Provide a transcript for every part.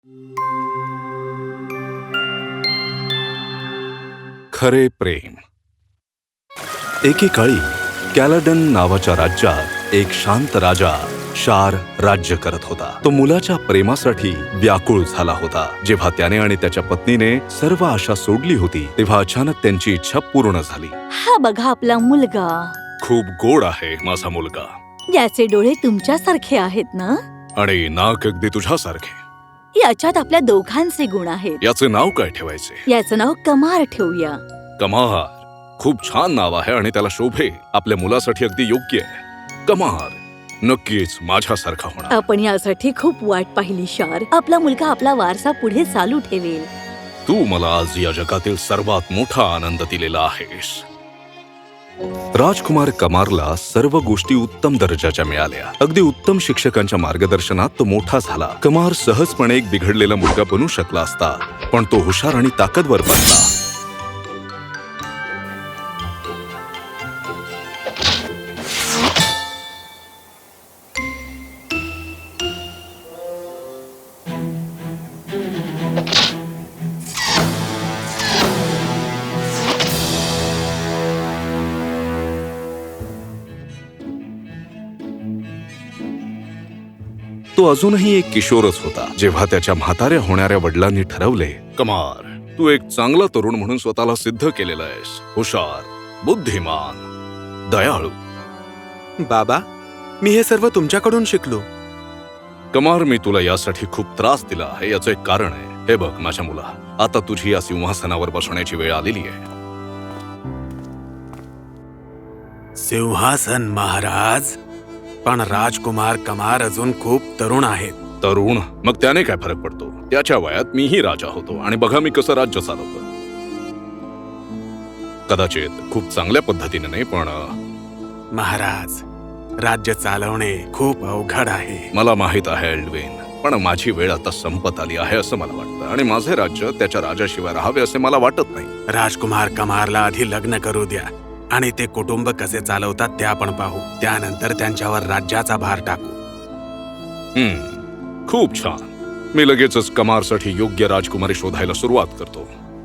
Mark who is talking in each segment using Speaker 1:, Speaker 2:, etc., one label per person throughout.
Speaker 1: खरे प्रेम. एकेकाळी कॅलाडन नावाच्या राज्यात एक शांत राजा शार राज्य करत होता. तो मुलाच्या प्रेमासाठी व्याकुळ झाला होता. जेव्हा त्याने आणि त्याच्या पत्नीने सर्व आशा सोडली होती तेव्हा अचानक त्यांची इच्छा पूर्ण झाली.
Speaker 2: हा बघा आपला मुलगा.
Speaker 1: खूप गोड आहे माझा मुलगा.
Speaker 2: याचे डोळे तुमच्यासारखे आहेत ना?
Speaker 1: आणि नाक अगदी तुझ्यासारखे.
Speaker 2: याच्यात आपल्या दोघांचे गुण आहेत.
Speaker 1: याचे नाव काय ठेवायचे?
Speaker 2: याचं नाव कमार ठेवूया.
Speaker 1: कमार. खूप छान नाव आहे आणि त्याला शोभे. आपल्या मुलासाठी अगदी योग्य आहे. कमार नक्कीच माझ्यासारखा होणार.
Speaker 2: आपण यासाठी खूप वाट पाहिली शार. आपला मुलगा आपला वारसा पुढे चालू ठेवेल.
Speaker 1: तू मला आज या जगातील सर्वात मोठा आनंद दिलेला आहेस. राजकुमार कमारला सर्व गोष्टी उत्तम दर्जाच्या मिळाल्या. अगदी उत्तम शिक्षकांच्या मार्गदर्शनात तो मोठा झाला. कमार सहजपणे एक बिघडलेला मुलगा बनू शकला असता, पण तो हुशार आणि ताकदवर बनला. तो अजूनही एक किशोरच होता जेव्हा त्याच्या म्हाताऱ्या होणाऱ्या वडिलांनी ठरवले, कमार, तू एक चांगला तरुण म्हणून स्वतःला सिद्ध केलेला आहेस. हुशार, बुद्धिमान, दयाळू.
Speaker 3: बाबा, मी हे सर्व तुमच्याकडून शिकलो.
Speaker 1: कमार, मी तुला यासाठी खूप त्रास दिला आहे. याचं एक कारण आहे. हे बघ माझ्या मुला, आता तुझी या सिंहासनावर बसण्याची वेळ आलेली आहे.
Speaker 3: सिंहासन महाराज, पण राजकुमार कमार अजून खूप तरुण आहेत.
Speaker 1: तरुण? मग त्याने काय फरक पडतो? त्याच्या वयात मीही राजा होतो आणि बघा मी कसं राज्य चालवतो. कदाचित खूप चांगल्या पद्धतीने नाही, पण
Speaker 3: महाराज, राज्य चालवणे खूप अवघड आहे.
Speaker 1: मला माहित आहे एल्डविन, पण माझी वेळ आता संपत आली आहे असं मला वाटतं आणि माझे राज्य त्याच्या राजाशिवाय राहावे असे मला वाटत नाही.
Speaker 3: राजकुमार कमारला आधी लग्न करू द्या आणि ते कुटुंब कसे चालवतात ते आपण पाहू. त्यानंतर त्यांच्यावर राज्याचा भार टाकू.
Speaker 1: खूप छान. मी लगेचच कमारसाठी योग्य राजकुमारी शोधायला सुरुवात करतो.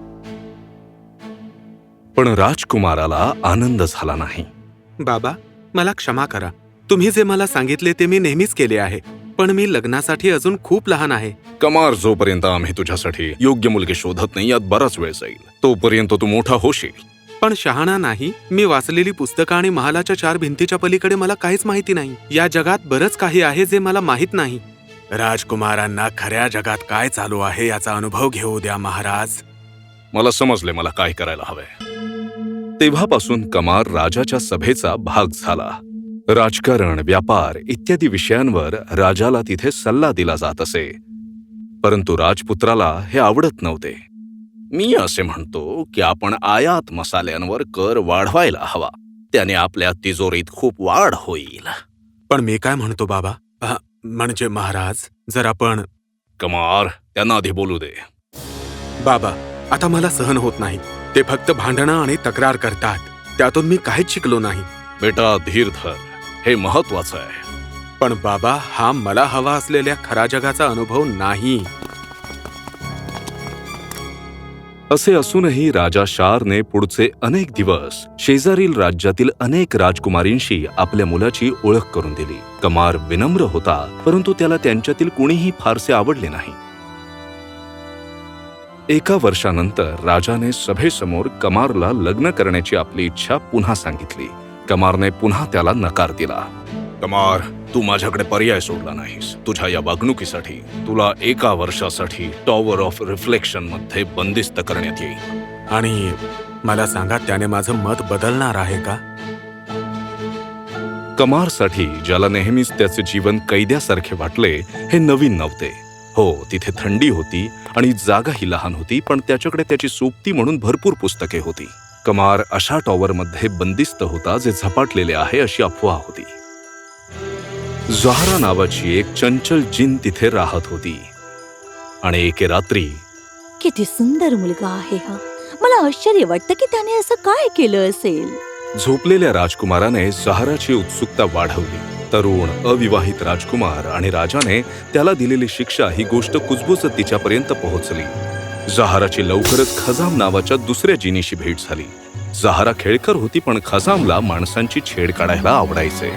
Speaker 1: पण राजकुमाराला आनंद झाला नाही.
Speaker 3: बाबा, मला क्षमा करा. तुम्ही जे मला सांगितले ते मी नेहमीच केले आहे, पण मी लग्नासाठी अजून खूप लहान आहे.
Speaker 1: कमार, जोपर्यंत आम्ही तुझ्यासाठी योग्य मुलगी शोधत नाही यात बराच वेळ जाईल. तोपर्यंत तू मोठा होशील.
Speaker 3: पण शहाणा नाही. मी वाचलेली पुस्तकं आणि महालाच्या 4 भिंतीच्या पलीकडे मला काहीच माहिती नाही. या जगात बरंच काही आहे जे मला माहित नाही. राजकुमारांना खऱ्या जगात काय चालू आहे याचा अनुभव घेऊ द्या महाराज.
Speaker 1: मला समजले मला काय करायला हवंय. तेव्हापासून कमार राजाच्या सभेचा भाग झाला. राजकारण, व्यापार इत्यादी विषयांवर राजाला तिथे सल्ला दिला जात असे. परंतु राजपुत्राला हे आवडत नव्हते. मी असे म्हणतो की आपण आयात मसाल्यांवर कर वाढवायला हवा. त्याने आपल्या तिजोरीत खूप वाढ होईल.
Speaker 3: पण मी काय म्हणतो बाबा, म्हणजे महाराज, जर आपण...
Speaker 1: कमार, त्यांना आधी बोलू दे.
Speaker 3: बाबा, आता मला सहन होत नाही. ते फक्त भांडणं आणि तक्रार करतात. त्यातून मी काहीच शिकलो नाही.
Speaker 1: बेटा, धीर धर. हे महत्वाचं आहे.
Speaker 3: पण बाबा, हा मला हवा असलेल्या खऱ्या जगाचा अनुभव नाही.
Speaker 1: असे असूनही राजा शारने पुढचे अनेक दिवस शेजारील राज्यातील अनेक राजकुमारींशी आपल्या मुलाची ओळख करून दिली. कमार विनम्र होता, परंतु त्याला त्यांच्यातील कुणीही फारसे आवडले नाही. एका वर्षानंतर राजाने सभेसमोर कमारला लग्न करण्याची आपली इच्छा पुन्हा सांगितली. कमारने पुन्हा त्याला नकार दिला. कमार, तू माझ्याकडे पर्याय सोडला नाहीस. तुझ्या या वागणुकीसाठी तुला 1 वर्षासाठी टॉवर ऑफ रिफ्लेक्शन मध्ये बंदिस्त करण्यात येईल.
Speaker 3: आणि मला सांगा, त्याने माझं मत बदलणार आहे का?
Speaker 1: कमारसाठी, ज्याला नेहमीच त्याचे जीवन कैद्यासारखे वाटले, हे नवीन नव्हते. हो, तिथे थंडी होती आणि जागाही लहान होती, पण त्याच्याकडे त्याची सोबती म्हणून भरपूर पुस्तके होती. कमार अशा टॉवरमध्ये बंदिस्त होता जे झपाटलेले आहे अशी अफवा होती. ज़हरा नावाची एक चंचल जिन तिथे राहत होती आणि एके रात्री...
Speaker 2: किती सुंदर मुलगा आहे हा. मला आश्चर्य वाटतं की त्याने असं काय केलं असेल.
Speaker 1: झोपलेल्या राजकुमाराने ज़हराची उत्सुकता वाढवली. तरुण अविवाहित राजकुमार आणि राजाने त्याला दिलेली शिक्षा ही गोष्ट कुजबुजत तिच्यापर्यंत पोहोचली. जहाराची लवकरच खजाम नावाच्या दुसऱ्या जिनीशी भेट झाली. जहारा खेळकर होती, पण खजामला माणसांची छेड काढायला आवडायचे.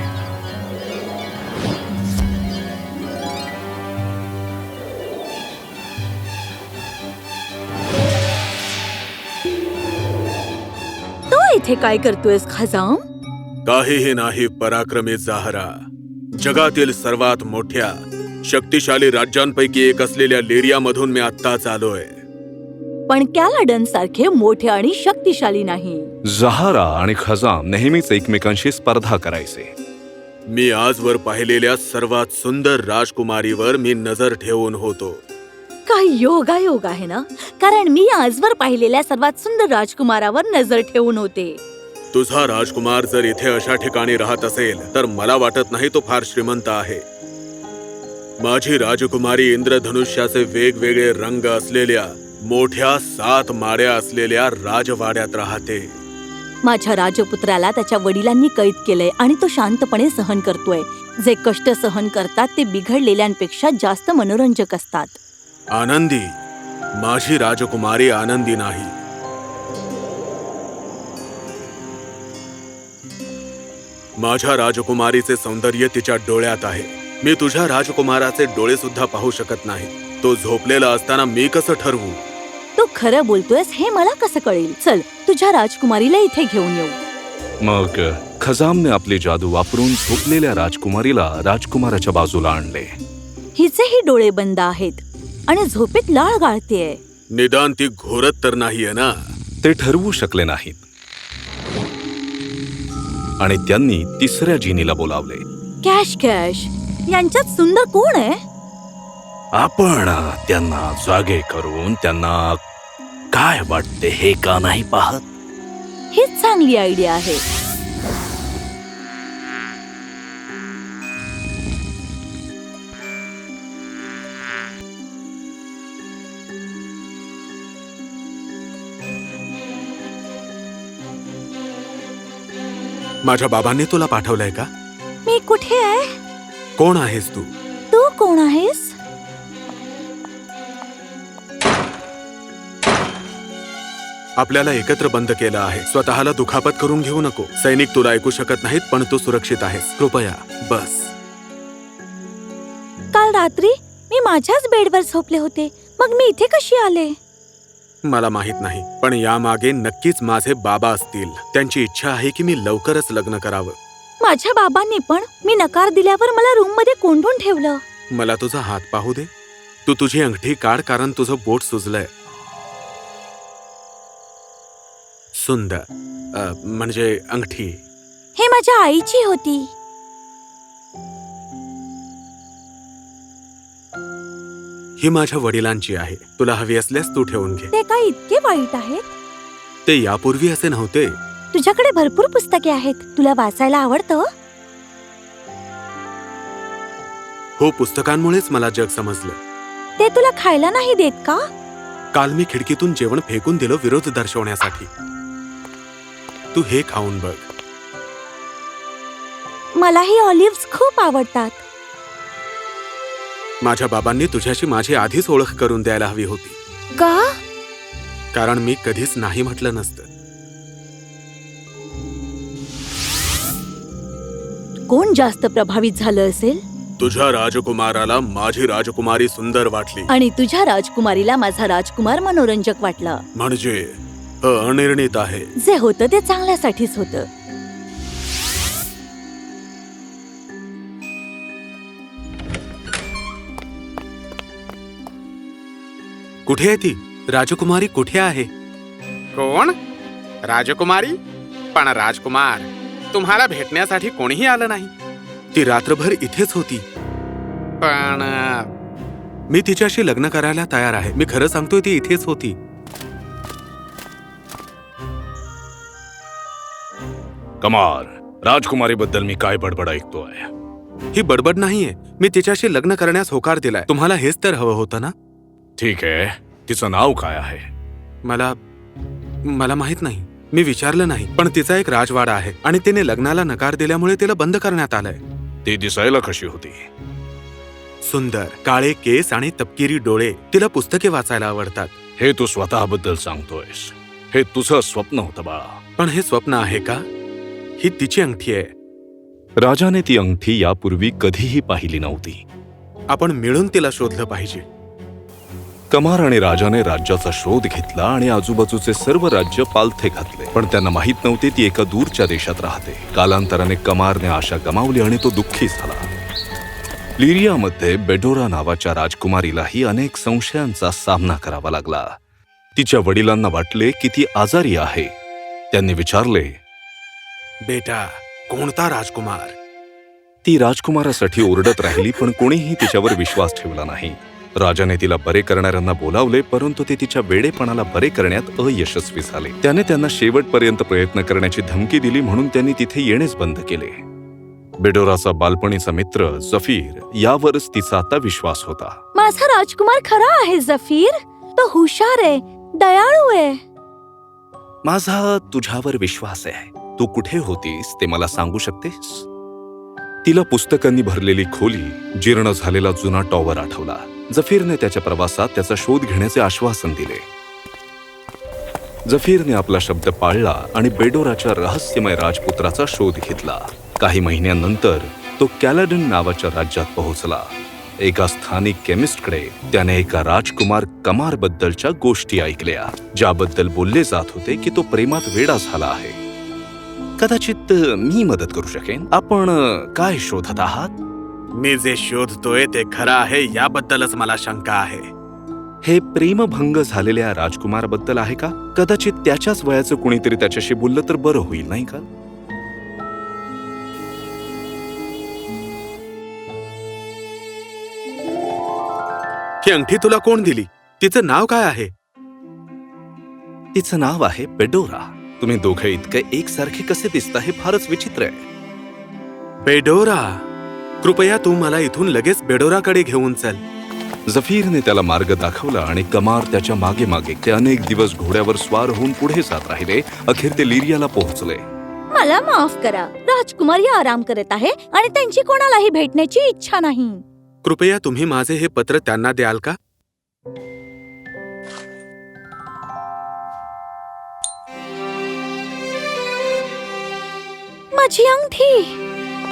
Speaker 2: तो इथे काय करतोयस खजाम?
Speaker 3: काहीही नाही पराक्रमी जहारा. जगातील सर्वात मोठ्या शक्तिशाली राज्यांपैकी एक असलेल्या लेरियामधून मी आत्ताच आलोय.
Speaker 2: पण कॅलाडन सारखे मोठे आणि शक्तिशाली नाही.
Speaker 1: जहारा आणि खजाम नेहमीच एकमेकांशी स्पर्धा करायचे.
Speaker 3: मी आजवर पाहिलेल्या सर्वात सुंदर राजकुमारीवर मी नजर ठेवून होतो.
Speaker 2: काय योगायोग आहे ना, कारण मी आजवर पाहिलेल्या सर्वात सुंदर राजकुमारावर नजर ठेवून होते.
Speaker 3: तुझा राजकुमार जर इथे अशा ठिकाणी राहत असेल तर मला वाटत नाही तो फार श्रीमंत आहे. माझी राजकुमारी इंद्रधनुष्याचे वेगवेगळे रंग असलेल्या मोठ्या 7 माळ्या असलेल्या राजवाड्यात राहते.
Speaker 2: माझ्या राजपुत्राला त्याच्या वडिलांनी कैद केलंय आणि तो शांतपणे सहन करतोय. जे कष्ट सहन करतात ते बिघडलेल्यांपेक्षा जास्त मनोरंजक असतात.
Speaker 3: आनंदी, माझी राजकुमारी आनंदी नाही. माझ्या राजकुमारीचे सौंदर्य तिच्या डोळ्यात आहे. मी तुझ्या राजकुमाराचे डोळे सुद्धा पाहू शकत नाही. तो झोपलेला असताना मी कसं ठरवू?
Speaker 2: तू खरं बोलतोयस हे मला कसं कळेल? चल तुझ्या राजकुमारीला इथे घेऊन येऊ.
Speaker 1: मग खजामने आपली जादू वापरून झोपलेल्या राजकुमारीला राजकुमाराच्या बाजूला आणले.
Speaker 2: हिचेही डोळे बंद आहेत आणि झोपेत लाळ गाळतेय.
Speaker 3: निदान ती घोरत तर नाहीये ना?
Speaker 1: ते ठरवू शकले नाहीत आणि त्यांनी तिसऱ्या जिनीला बोलावले.
Speaker 2: कॅश कॅश, यांच्यात सुंदर कोण आहे?
Speaker 1: आपण त्यांना जागे करून त्यांना काय वाटते हे का नाही पाहत?
Speaker 2: हीच चांगली आयडिया आहे.
Speaker 3: माझ्या बाबांनी तुला पाठवलंय का?
Speaker 2: मी कुठे आहे?
Speaker 3: कोण आहेस तू?
Speaker 2: तू कोण आहेस?
Speaker 3: आपल्याला एकत्र बंद केलं आहे. स्वतःला दुखापत करून घेऊ नको. सैनिक तुला ऐकू शकत नाहीत, पण तू सुरक्षित आहेस. कृपया बस.
Speaker 2: काल रात्री मी माझ्याच बेडवर झोपले होते, मग मी इथे कशी आले?
Speaker 3: मला माहित नाही, पण यामागे नक्कीच माझे बाबा असतील. त्यांची इच्छा आहे की मी लवकरच लग्न करावं.
Speaker 2: माझ्या बाबांनी पण मी नकार दिल्यावर मला रूम मध्ये कोंडून ठेवलं.
Speaker 3: मला तुझा हात पाहू दे. तू तुझी अंगठी काढ, कारण तुझं बोट सुजलंय. सुंदर म्हणजे अंगठी.
Speaker 2: हे माझ्या आईची होती.
Speaker 3: ही माझ्या वडिलांची आहे. तुला हवी असल्यास तू ठेवून घे.
Speaker 2: ते काय इतके वाईट आहेत?
Speaker 3: ते यापूर्वी असे नव्हते.
Speaker 2: तुझ्याकडे भरपूर पुस्तके आहेत. तुला वाचायला आवडतं?
Speaker 3: हो, पुस्तकांमुळेच मला जग समजलं.
Speaker 2: ते तुला खायला नाही देत का?
Speaker 3: काल मी खिडकीतून जेवण फेकून दिलं विरोध दर्शवण्यासाठी. तू हे खाऊन बघ.
Speaker 2: मलाही ऑलिव्ह्ज खूप आवडतात.
Speaker 3: माझ्या बाबांनी तुझ्याशी माझी आधीच ओळख करून द्यायला हवी होती.
Speaker 2: का?
Speaker 3: कारण मी कधीच नाही म्हटलं नसतं.
Speaker 2: कोण जास्त प्रभावित झालं असेल?
Speaker 3: तुझ्या राजकुमाराला माझी राजकुमारी सुंदर वाटली
Speaker 2: आणि तुझ्या राजकुमारीला माझा राजकुमार मनोरंजक वाटला.
Speaker 3: म्हणजे अनिर्णित आहे.
Speaker 2: जे होतं ते चांगल्यासाठीच होतं.
Speaker 3: कुठे आहे ती? राजकुमारी कुठे आहे?
Speaker 4: कोण? राजकुमारी? पण राजकुमार, तुम्हाला भेटण्यासाठी कोणीही आलं नाही.
Speaker 3: ती रात्रभर इथेच होती.
Speaker 4: पण
Speaker 3: मी तिच्याशी लग्न करायला तयार आहे. मी खरं सांगतोय, ती इथेच होती.
Speaker 1: कमार, राजकुमारीबद्दल मी काय बडबड ऐकतोय?
Speaker 3: ही बडबड नाहीये. मी तिच्याशी लग्न करण्यास होकार दिलाय. तुम्हाला हेच तर हवं होतं ना?
Speaker 1: ठीक आहे, तिचं नाव काय आहे?
Speaker 3: मला माहित नाही. मी विचारलं नाही. पण तिचा एक राजवाडा आहे आणि तिने लग्नाला नकार दिल्यामुळे तिला बंद करण्यात आलंय.
Speaker 1: ती दिसायला कशी होती?
Speaker 3: सुंदर काळे केस आणि तपकिरी डोळे. तिला पुस्तके वाचायला आवडतात.
Speaker 1: हे तू स्वतःबद्दल सांगतोयस? हे तुझं स्वप्न होतं बाळा.
Speaker 3: पण हे स्वप्न आहे का? ही तिची अंगठी आहे.
Speaker 1: राजाने ती अंगठी यापूर्वी कधीही पाहिली नव्हती.
Speaker 3: आपण मिळून तिला शोधलं पाहिजे.
Speaker 1: कमार आणि राजाने राज्याचा शोध घेतला आणि आजूबाजूचे सर्व राज्य पालथे घातले, पण त्यांना माहित नव्हते ती एका दूरच्या देशात राहते. कालांतराने कमारने आशा गमावली आणि तो दुःखी झाला. लिरियामध्ये बेडोरा नावाच्या राजकुमारीलाही अनेक संशयांचा सामना करावा लागला. तिच्या वडिलांना वाटले की ती आजारी आहे. त्यांनी विचारले,
Speaker 3: बेटा, कोणता राजकुमार?
Speaker 1: ती राजकुमारासाठी ओरडत राहिली, पण कोणीही तिच्यावर विश्वास ठेवला नाही. राजाने तिला बरे करणाऱ्यांना बोलावले, परंतु ते तिच्या वेडेपणाला बरे करण्यात अयशस्वी झाले. त्याने त्यांना शेवटपर्यंत प्रयत्न करण्याची धमकी दिली, म्हणून त्यांनी तिथे येणेच बंद केले. बेडोराचा बालपणीचा मित्र जफीर यावरच तिचा आता विश्वास होता.
Speaker 2: माझा राजकुमार खरा आहे जफीर. तो हुशार आहे, दयाळू आहे.
Speaker 1: माझा तुझ्यावर विश्वास आहे. तू कुठे होतीस ते मला सांगू शकतेस? तिला पुस्तकांनी भरलेली खोली, जीर्ण झालेला जुना टॉवर आठवला. जफीरने त्याच्या प्रवासात त्याचा शोध घेण्याचे आश्वासन दिले. जफीरने आपला शब्द पाळला आणि बेडोराच्या रहस्यमय राजपुत्राचा शोध घेतला. काही महिन्यांनंतर तो कॅलाडन नावाच्या राज्यात पोहोचला. एका स्थानिक केमिस्टकडे त्याने एका राजकुमार कमार बद्दलच्या गोष्टी ऐकल्या, ज्याबद्दल बोलले जात होते की तो प्रेमात वेडा झाला आहे. कदाचित मी मदत करू शकेन. आपण काय शोधत आहात?
Speaker 3: मी जे शोधतोय ते खरं आहे याबद्दलच मला शंका आहे.
Speaker 1: हे प्रेमभंग झालेल्या राजकुमाराबद्दल आहे का? कदाचित त्याच्याच वयाचं कुणीतरी त्याच्याशी बोललं तर बरं होईल, नाही का?
Speaker 3: ही अंगठी तुला कोण दिली? तिचं नाव काय आहे?
Speaker 1: तिचं नाव आहे बेडोरा. तुम्ही दोघे इतके एकसारखे कसे दिसता हे फारच विचित्र आहे.
Speaker 3: बेडोरा, कृपया तू मला इथून लगेच बेडोराकडे घेऊन चल.
Speaker 1: जफीरने त्याला मार्ग दाखवला आणि कमार त्याच्या मागे मागे. ते अनेक दिवस घोड्यावर स्वार होऊन पुढे जात राहिले. अखेर ते लिरियाला पोहोचले.
Speaker 2: मला माफ करा, राजकुमारी आराम करत आहे आणि त्यांची कोणालाही भेटण्याची इच्छा नाही.
Speaker 3: कृपया तुम्ही माझे हे पत्र त्यांना द्याल का?
Speaker 2: माझी अंगठी.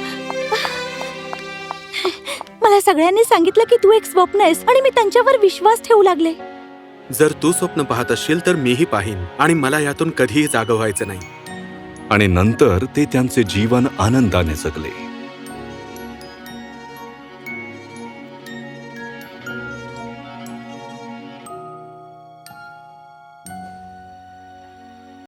Speaker 2: मला सगळ्यांनी सांगितलं की तू एक स्वप्न आहेस आणि मी त्यांच्यावर विश्वास ठेवू लागले.
Speaker 3: जर तू स्वप्न पाहत असशील तर मीही पाहीन आणि मला यातून कधीही जागं व्हायचं नाही.
Speaker 1: आणि नंतर ते त्यांचे जीवन आनंदाने जगले.